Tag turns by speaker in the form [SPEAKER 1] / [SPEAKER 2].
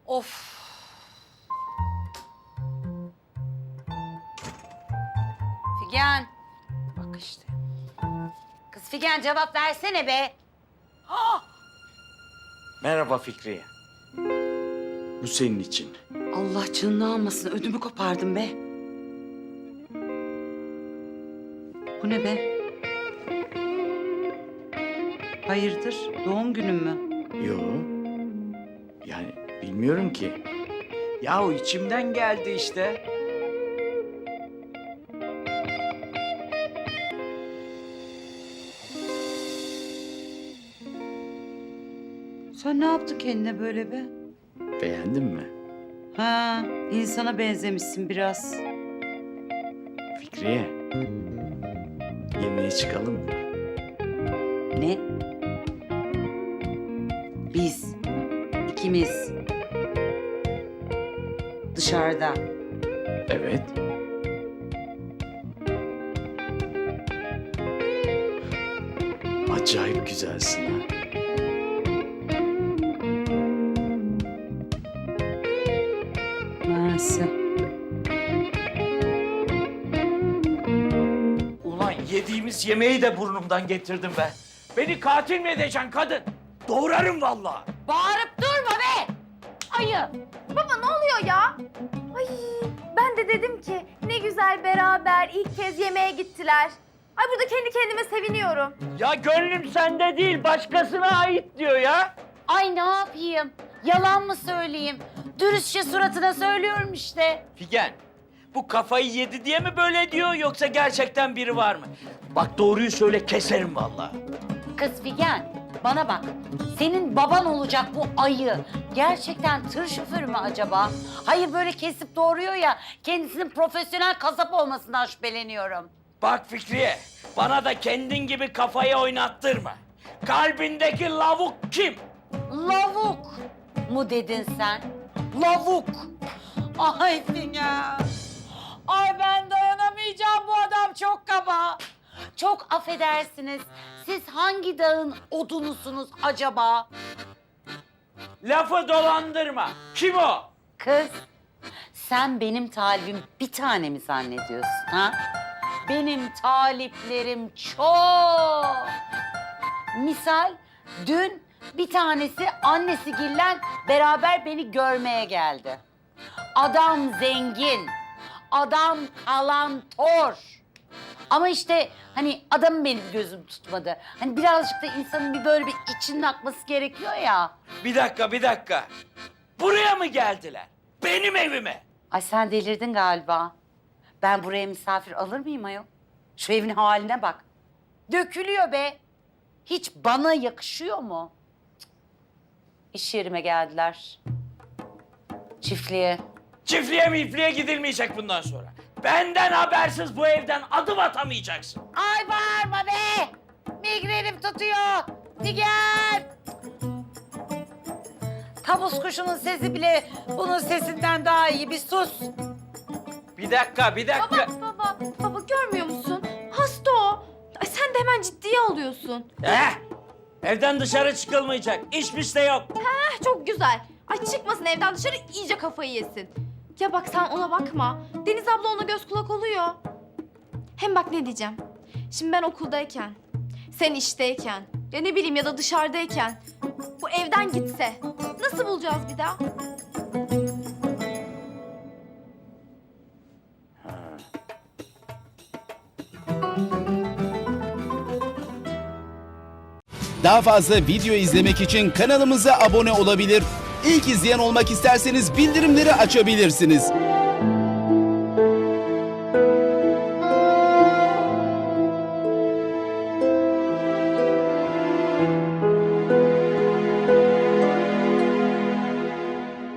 [SPEAKER 1] Of. Figen. Bak işte. Kız Figen cevap versene be.
[SPEAKER 2] Merhaba Fikriye. Bu senin için.
[SPEAKER 1] Allah canını almasın. Ödümü kopardım be. Bu ne be? Hayırdır? Doğum günün mü?
[SPEAKER 2] Yo. Yani bilmiyorum ki. Yahu içimden geldi işte.
[SPEAKER 1] Sen ne yaptın kendine böyle be?
[SPEAKER 2] Beğendin mi?
[SPEAKER 1] Ha, insana benzemişsin biraz.
[SPEAKER 2] Fikriye. Yemeğe çıkalım mı?
[SPEAKER 1] Ne? Biz, ikimiz. Dışarıda.
[SPEAKER 2] Evet. Acayip güzelsin ha.
[SPEAKER 1] Mersi.
[SPEAKER 2] Ulan yediğimiz yemeği de burnumdan getirdim ben. Beni katil mi edeceksin kadın? Doğrarım vallahi.
[SPEAKER 1] Bağırıp durma be! Ayı!
[SPEAKER 3] Baba ne oluyor ya? Ay ben de dedim ki ne güzel beraber ilk kez yemeğe gittiler. Ay burada kendi kendime seviniyorum.
[SPEAKER 2] Ya gönlüm sende değil, başkasına ait diyor ya.
[SPEAKER 1] Ay ne yapayım? Yalan mı söyleyeyim? Dürüstçe suratına söylüyorum işte.
[SPEAKER 2] Figen, bu kafayı yedi diye mi böyle diyor yoksa gerçekten biri var mı? Bak doğruyu söyle, keserim vallahi.
[SPEAKER 1] Kız Figen, bana bak. Senin baban olacak bu ayı. Gerçekten tır şoförü mü acaba? Hayır böyle kesip doğuruyor ya, kendisinin profesyonel kasap olmasından şüpheleniyorum.
[SPEAKER 2] Bak Fikriye, bana da kendin gibi kafayı oynattırma. Kalbindeki lavuk kim?
[SPEAKER 1] Lavuk mu dedin sen? Lavuk. Ay Figen. Ay ben dayanamayacağım, bu adam çok kaba. Çok affedersiniz. Siz hangi dağın odunusunuz acaba?
[SPEAKER 2] Lafı dolandırma. Kim o?
[SPEAKER 1] Kız, sen benim talibim bir tane mi zannediyorsun ha? Benim taliplerim çok. Misal dün bir tanesi annesi Gillen beraber beni görmeye geldi. Adam zengin, adam kalantor. Ama işte hani adamın benim gözüm tutmadı. Hani birazcık da insanın bir böyle bir içinin akması gerekiyor ya.
[SPEAKER 2] Bir dakika. Buraya mı geldiler? Benim evime.
[SPEAKER 1] Ay sen delirdin galiba. Ben buraya misafir alır mıyım ayol? Şu evin haline bak. Dökülüyor be. Hiç bana yakışıyor mu? Cık. İş yerime geldiler. Çiftliğe.
[SPEAKER 2] Çiftliğe mifliğe gidilmeyecek bundan sonra. Benden habersiz bu evden adım atamayacaksın.
[SPEAKER 1] Ay bağırma be! Migrenim tutuyor. Figen! Tavus kuşunun sesi bile bunun sesinden daha iyi. Bir sus.
[SPEAKER 2] Bir dakika.
[SPEAKER 3] Baba görmüyor musun? Hasta o. Ay sen de hemen ciddiye alıyorsun.
[SPEAKER 2] Evden dışarı çıkılmayacak. İş de yok.
[SPEAKER 3] Çok güzel. Ay çıkmasın evden dışarı iyice kafayı yesin. Ya bak sen ona bakma. Deniz abla ona göz kulak oluyor. Hem bak ne diyeceğim. Şimdi ben okuldayken, sen işteyken, ya ne bileyim ya da dışarıdayken bu evden gitse nasıl bulacağız bir daha?
[SPEAKER 4] Daha fazla video izlemek için kanalımıza abone olabilir. İlk izleyen olmak isterseniz bildirimleri açabilirsiniz.